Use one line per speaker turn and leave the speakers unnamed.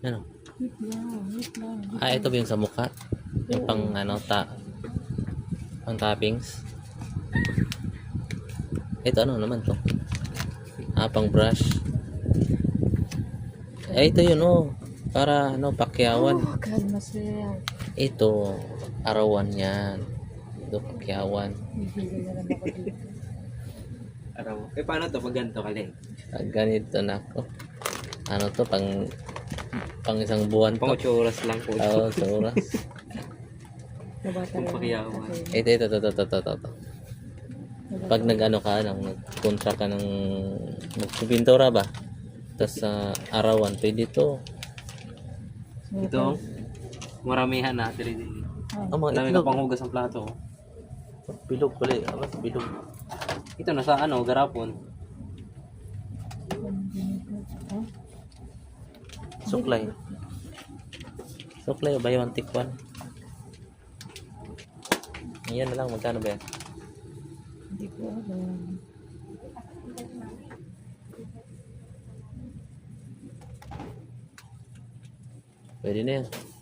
Ano?
Wait lang, wait lang.
Ito ba yung sa mukha? Yung pang ano, pang toppings? Ito ano naman to? Pang brush. Ito yun oh. Para ano, pakyawan.
Oh, kalma sir.
Ito, arawan yan. Ito, pakyawan.
Bibigyan na lang ako dito.
Araw. Paano to pag ganito kaling?
Ganito na ako. Ano to, pang isang buwan
Pang
to.
8 oras lang po.
Oo, sa oras.
Nabata
Kung
lang
pakiyawan.
ako.
Ito. Pag nag-ano ka, nag-kontra ka ng magpipintura ba? Tapos sa arawan, pwede to.
Ito, maramihan na. Dili.
Oh, mga
Dami ka
itlog.
pang hugas ng plato.
Bilog pala. Bilog.
Ito na sa ano, garapon.
Suklay. Suklay, buy one take one. Ayan na lang, magkano ba yan?
Hindi ko alam.
Pwede na yan.